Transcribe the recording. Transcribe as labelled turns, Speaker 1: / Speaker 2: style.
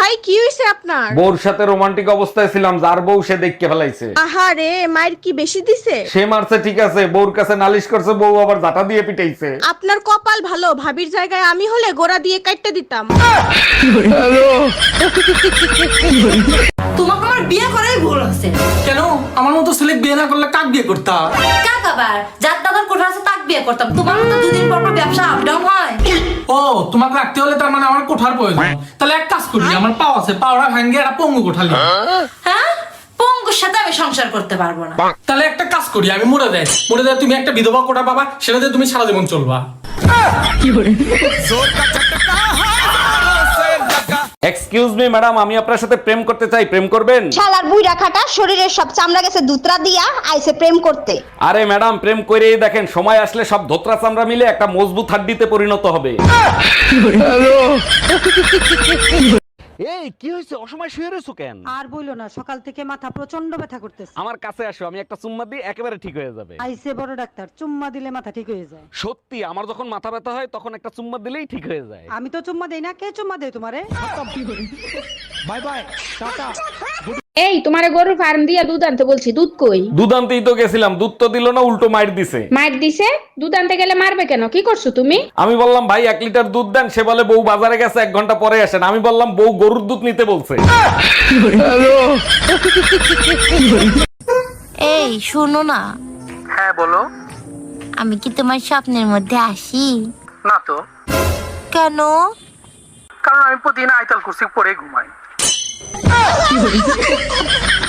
Speaker 1: ভাই কি হইছে আপনার?
Speaker 2: বউর সাথে রোমান্টিক অবস্থায় ছিলাম, যার বউ সে দেখকে ফেলাইছে।
Speaker 1: আহারে, মায়ের কি বেশি দিছে?
Speaker 2: সে মারছে ঠিক আছে, বউর কাছে নালিশ করছে, বউ আবার জাটা দিয়ে পিটাইছে।
Speaker 1: আপনার কপাল ভালো, ভাবির জায়গায় আমি হলে গোড়া দিয়ে কাটতে দিতাম।
Speaker 3: তোমাকে আমার বিয়ে করাই ভুল হচ্ছে।
Speaker 4: কেন? আমার মতো ছেলে বিয়ে না করলে কাক বিয়ে করতাম?
Speaker 3: কাক আবার যার দাদার কোঠা আছে তাক বিয়ে করতাম। তোমার তো দুদিন পর পর ব্যবসা আপ ডাউন হয়।
Speaker 4: ও, তোমাকে রাখতে হলে তার মানে আমার কোঠার প্রয়োজন। তাহলে এক কাজ করি, আমার পাও আছে, পাওড়া ভাঙ্গে একটা পঙ্গু কোঠালি।
Speaker 3: হ্যাঁ, পঙ্গুর সাথে আমি সংসার করতে পারবো না।
Speaker 4: তাহলে একটা কাজ করি, আমি মরে দেয় তুমি একটা বিধবা কোঠা পাবা, সেটাতে তুমি সারা জীবন চলবা।
Speaker 2: এক্সকিউজ মি ম্যাডাম, আমি আপনার সাথে প্রেম করতে চাই, প্রেম করবেন?
Speaker 5: শালার বুইড়া খাটা শরীরের সব চামড়া গেছে দুতরা দিয়া আইছে প্রেম করতে।
Speaker 2: আরে ম্যাডাম, প্রেম করেই দেখেন, সময় আসলে সব ধোত্রা চামড়া মিলে একটা মজবুত হাড্ডিতে পরিণত হবে। এই কি হয়েছে, অসময় শুয়ে রয়েছো কেন?
Speaker 6: আর বইলো না, সকাল থেকে মাথা প্রচন্ড ব্যথা করতেছে।
Speaker 2: আমার কাছে আসো, আমি একটা চুম্মা দিই, একেবারে ঠিক হয়ে যাবে।
Speaker 6: আইসে বড় ডাক্তার, চুম্মা দিলে মাথা ঠিক হয়ে যায়।
Speaker 2: সত্যি, আমার যখন মাথা ব্যথা হয় তখন একটা চুম্মা দিলেই ঠিক হয়ে যায়।
Speaker 6: আমি তো চুম্মা দেই না, কে চুম্মা দেয় তোমারে?
Speaker 4: বাই বাই, টাটা।
Speaker 7: এই তোমারে গরুর ফার্ম দিয়া দুধ আনতে বলছি, দুধ কই?
Speaker 2: দুধ আনতেই তো গেছিলাম, দুধ তো দিল না, উল্টো মাইর দিছে।
Speaker 7: মার দিছে? দুধ আনতে গেলে মারবে কেন? কি করছো তুমি?
Speaker 2: আমি বললাম ভাই 1 লিটার দুধ দেন, সে বলে বউ বাজারে গেছে, 1 ঘন্টা পরে আসেন। আমি বললাম বউ গরুর দুধ নিতে বলছে।
Speaker 8: এই শোনো না।
Speaker 4: হ্যাঁ বলো।
Speaker 8: আমি কি তোমার স্বপ্নের মধ্যে আসি?
Speaker 4: না তো।
Speaker 8: কেন?
Speaker 4: কারণ আমি প্রতিদিন আইতাল কুরসি পরে ঘুমাই।